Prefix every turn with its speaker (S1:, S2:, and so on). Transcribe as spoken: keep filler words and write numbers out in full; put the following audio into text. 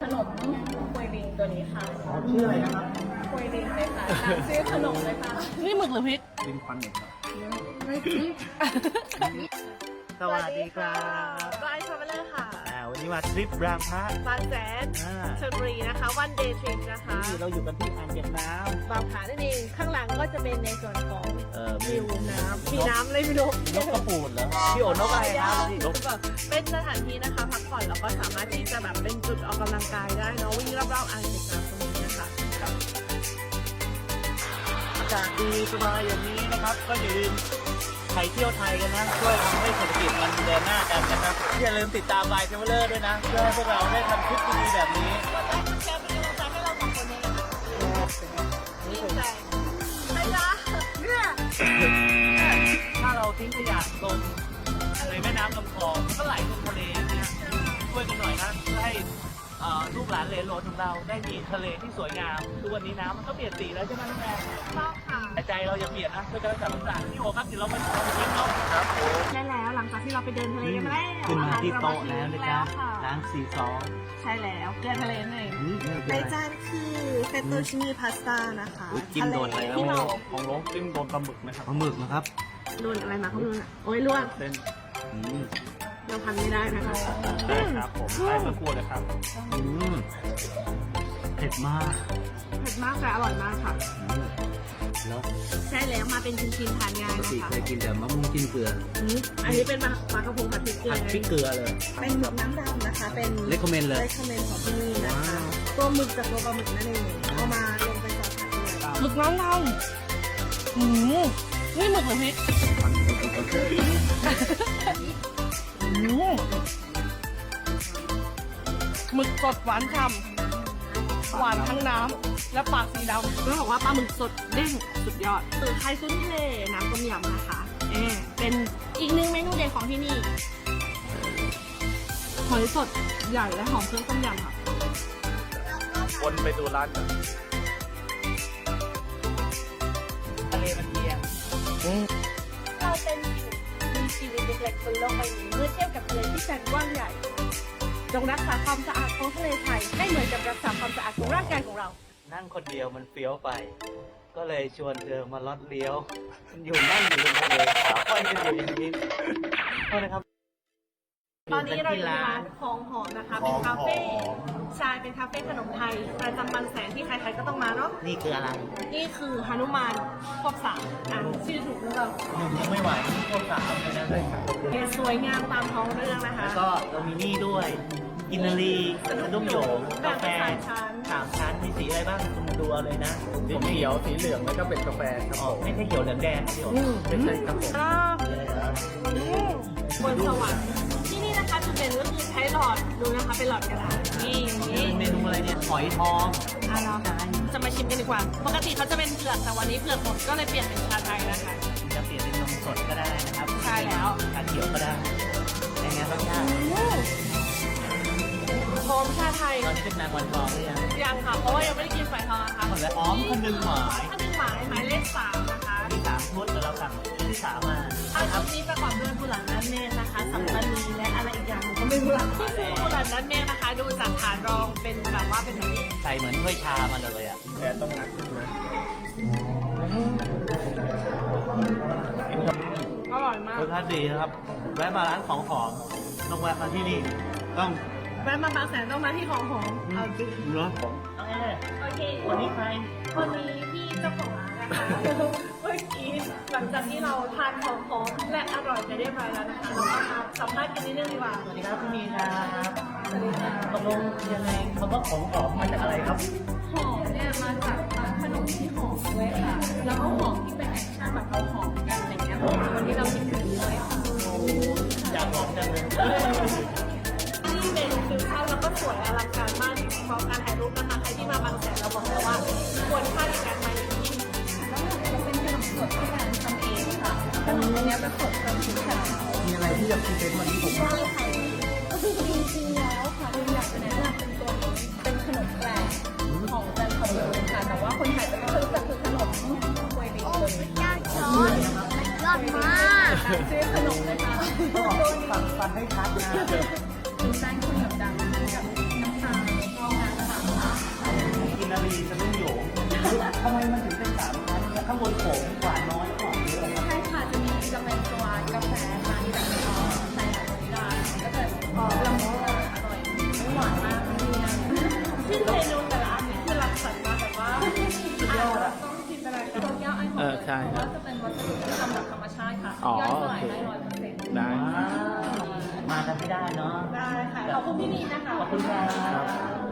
S1: นมควยลิงตัวนี้ค่ะ
S2: อ๋อชื่ออะไรนะครับ
S1: ควยลิงเลยค่ะตามชื่อขนมเลยค่ะ
S3: นี่หมึกหรือพริก
S2: ลินควันเน็ตครับ
S3: สวัสดีครับ
S1: ก็ไอซ์ทราเวลเลอร์ค่ะ
S3: อ่าวันนี้มาทริปรางพระ
S1: บางแสน
S3: อ่า
S1: ชลบุรีนะคะวันเดย์ทริปนะคะ
S3: นี่เราอยู่กันที่อ่างเก็บน้
S1: บางผานั่นเองข้างหลังก็จะเป็นในส่วนของ
S3: ำเอ่อมี
S1: วิวน้ำมีน้ำเลยมีนก
S3: นกกระปูดเหรอพี่โอนกอะไรครับพี่นก
S1: เป็นสถานที่นะคะพักผ่อนแล้วก็สามารถที่จะแบบเป็นจุดออกกำลังกายได้เนาะวิ่งรอบๆอ่างเก็บน้ำตรงนี้นะคะ
S3: อากาศดีสบายอย่างนี้นะครับ ก็อย่าลืมใครเที่ยวไทยกันนะช่วยทำให้เศรษฐกิจมันเดินหน้ากันนะครับอย่าลืมติดตามไบค์เทเวลเลอร์ด้วยนะเพื่อให้พวกเราได้ทำคลิปดีๆแบบนี้
S1: กดไลค์กดแชร์เป็นกำลังใจให้เราสองคนเลยนะคะดีใจใช่จ้ะเนี่ย
S3: ถ้าเราทิ้งขยะลงในแม่น้ำลำคลองมันก็ไหลลงทะเลเนี่ยช่วยกันหน่อยนะเพื่อให้เอ่อลูกหลานเหลนโหลนของเราได้มีทะเลที่สวยงามทุกวันนี้น้ำมันก็เปลี่ยนสีแล้วใช่ไหมน้องแม่
S1: ชอบค่ะ
S3: แต่ใจเราอย่าเปลี่ยนนะช่วยกันรักษาต่างๆพี่โอครับเดี๋ยวเราไปทำคลิปเนาะครับผม
S1: ใช่แล้วหลังจากที่เราไปเดินทะเลกันมาแล้ว
S3: ขึ้นมาที่โต๊ะแล้วนะจ๊ะ
S1: ค่ะ
S3: ร้านสี่สอง
S1: ใช่แล้วเกลือทะเลนั่นเอง
S4: ในจานคือเฟตโตชินีพาสต้านะคะ
S3: จิ้มโดนอะไร
S1: ที่เรา
S2: ของน้องจิ้มโดนปลาหมึกไหมครับ
S3: ปลาหมึกนะครับ
S1: โดนอะไรมาเขาดูนะโอ้ยลวก
S2: เส้น
S3: อืม
S1: เราทำไม่ได้นะคะ
S2: ได้ครับผมได้สักครู่เลยครับ
S3: อืมเผ็ดมาก
S1: เผ็ดมากแต่อร่อยมากค่ะ
S3: อืมแล้ว
S1: ใช่แล้วมาเป็นชิ้นๆทานง่าย
S3: ปก
S1: นะ
S3: ติ
S1: คะ
S3: เคยกินแต่มะม่วงจิ้มเกลือ
S1: อืมอันนี้เป็นปลาปลากระพงผัดพริกเกลือ
S3: ผัดพริกเกลือเลย
S4: เป็นหมึกน้ำดำนะคะ เป็น
S3: เลคคอมเมนต์เลย
S4: เลคคอมเมนต์ของที่นี่นะคะ ตัวหมึกกับตัวปลาหมึกนั่นเองเอามาลงไปซอสผัดด้วย
S3: หมึกน้ำดำอืมนี่หมึกหรือพริกอืมหมึกสดหวานฉ่ำหวานทั้งน้ำและปากสีดำ
S1: ต้องบอกว่าปลาหมึกสดเด้งสุดยอดคือไทยซุ้นทะเลน้ำต้มยำนะคะเออเป็นอีกหนึ่งเมนูเด่นของที่นี่หอยสดใหญ่และหอมเครื่องต้มยำค่ะ
S2: วนไปดูร้านกัน
S3: ทะเลมันเอียง
S1: เราเป็นมีชีวิตเล็กๆบนโลกใบนี้เมื่อเทียบกับทะเลที่แสนกว้างใหญ่ จงรักษาความสะอาดของทะเลไทยให้เหมือนกับรักษาความสะอาดของร่างกายของเรา
S3: นั่งคนเดียวมันเฟี้ยวไป ก็เลยชวนเธอมาลอดเลี้ยว มันอยู่นั่งอยู่ริมทะเลขาค่อยกันอยู่อย่างนี้โทษนะครับ
S1: ตอนนี้เราอยู่ที่ร้านคลองหอมนะคะ เป็นคาเฟ่ใช่เป็นคาเฟ่ขนมไทยประจำบางแสนที่ใครๆก็ต้องมาเนาะ
S3: นี่คืออะไร
S1: นี่คือฮานุมานควบสามอ่านชื่อถูกหรือเปล่า
S3: หนึ่งยังไม่ไหวนี่พวกสามเลยนะเลยครับ
S1: เห็นสวยงามตามท้องเรื่องนะคะ
S3: แล้วก็เรามีนี่ด้วย กินนารีสะดุ้งโหยงกาแฟ
S1: แบบเป็นสายชั้น
S3: สามชั้นมีสีอะไรบ้างคุณดูเอาเลยนะ
S2: สีเขียวสีเหลืองแล้วก็เป็นกาแฟครับ
S3: อ๋อ
S2: ผม
S3: ไม่ใช่เขียวเหลืองแดงเขียวไม่ใช่ครับผม
S1: อ่าอืมบนสวรรค์ที่นี่นะคะจุดเด่นก็คือใช้หลอดดูนะคะเป็นหลอดกระดาษนี่นี่
S3: เมนูอะไรเนี่ยหอยทอง
S1: อ่ะเราจะมาชิมกันดีกว่า ปกติเขาจะเป็นเผือกแต่วันนี้เผือกหมดก็เลยเปลี่ยนเป็นชาไทยนะคะ
S3: จะเปลี่ยนเป็นนมสดก็ได้นะครับ
S1: ใช่แล้ว
S3: ชาเขียวก็ได้แต่ไงรสชาติ
S1: หอมชาไทย
S3: ตอนนี้เป็นนางวันทองหรือยัง
S1: ยังค่ะ เพราะว่ายังไม่ได้กินไฟทองนะคะ
S3: หมดแล้วอ๋อมคนหนึ่งหมาย
S1: ถ้าเป็นหมายหมายเลขสามนะคะ
S3: มีสามชุดแต่เราสั่งที่สามมา
S1: ถ้าชุดนี้ประกอบด้วยกุหลาบนัดเมฆนะคะ สัมปันนีและอะไรอีกอย่างหนึงก็ไม่รู้ละกุหลาบนัดเมฆนะคะ ดูจากฐานรองเป็นแบบว่าเป็นแบบนี้
S3: ใส่เหมือนถ้วยชามาเลยอ่ะ
S2: แต่ต้องหนักขึ้นนะ
S1: อร่อยมาก
S3: รสชาติดีนะครับ แวะมาร้านของหอมต้องแวะมาที่นี่ ต้อง
S1: แวะมาบางแสนต้องมาที่ของหอมเอาจริง
S3: เนาะน้องแอร์
S1: โอเค
S3: วันนี้ใคร
S1: วันนี้พี่เจ้าของร้านนะคะ เมื่อกี้หลังจากที่เราทานของหอมและอร่อยไปเรียบร้อยแล้วนะคะเราก็มาสัมภาษณ์กันนิดนึงดีกว่า
S3: สวัสดีครับคุณมีครับ
S1: สวัสดีค่ะ
S3: ตกลงยังไงคำว่าของหอมมาจากอะไรครับ
S1: หอมเนี่ยมาจากขนมที่หอมด้วยค่ะ แล้วก็หอมที่เป็นแอคชั่นแบบเราหอมกันอะไรเงี้ยวันนี้เราคิดถึงเลยค่ะ
S3: อยากหอมจังเลย
S1: ที่เมนูฟิวชั่นแล้วก็สวยอลังการมากจริงๆพร้อมการถ่ายรูปนะคะใครที่มาบางแสนเราบอกเลยว่าควรค่าในการมาอย่างยิ่ง
S4: แล้วมันจะเป็นขนมสดที่ร้านทำเองค่ะขนมเนี้ยเป็นสดทำชิ้นขนาด
S2: มีอะไรที่จะพรีเซนต์วันนี้ผมบ้าง
S4: ได้ค่ะก็คือจริงๆแล้วค่ะเราอยากจะแนะนำเป็นตัวนี้เป็นขนมแปลกของจันทบุรีค่ะ แต่ว่าคนไทยจะไม่เคยรู้จักคือขนมกล้วยดิบตัวนี้ยอดช้อนยอดมากชื่อขนมเลยค่ะตัวนี้
S2: ฟังฟันให้ชัดนะ
S4: เป็นแป้งข้าวเหนียวดำกับน้ำตาลแล้วก็งา
S3: หวานน้อยหอมเยอะ
S4: ใช่ค่ะจะมีจะเป็นตัวกาแฟค่ะที่แบบเอ่อใส่หลายตัวได้ก็จะเอ่อละมุนอร่อยไม่หวานมากไม่ดีนะ
S1: ซึ่งเมนูแต่ละอันนี้คือรักสรรค์มาแบบว่าอ่านแล้วต้องจินตนาการ
S4: โตเกียวไอหอม
S2: เอ
S4: เล
S2: อย ใช่
S4: เพราะว่าจะเป็นวัสดุที่ทำจากธรรมชาติค่ะ
S2: อ๋อ
S4: ย่อยสลายได้ร้อยเปอร์เซ็นต์
S2: ได้
S3: ว้าวมากันไม่ได้เนาะ
S1: ได้ค่ะ ขอบคุณพี่นีนะคะ
S3: ขอบคุณครับ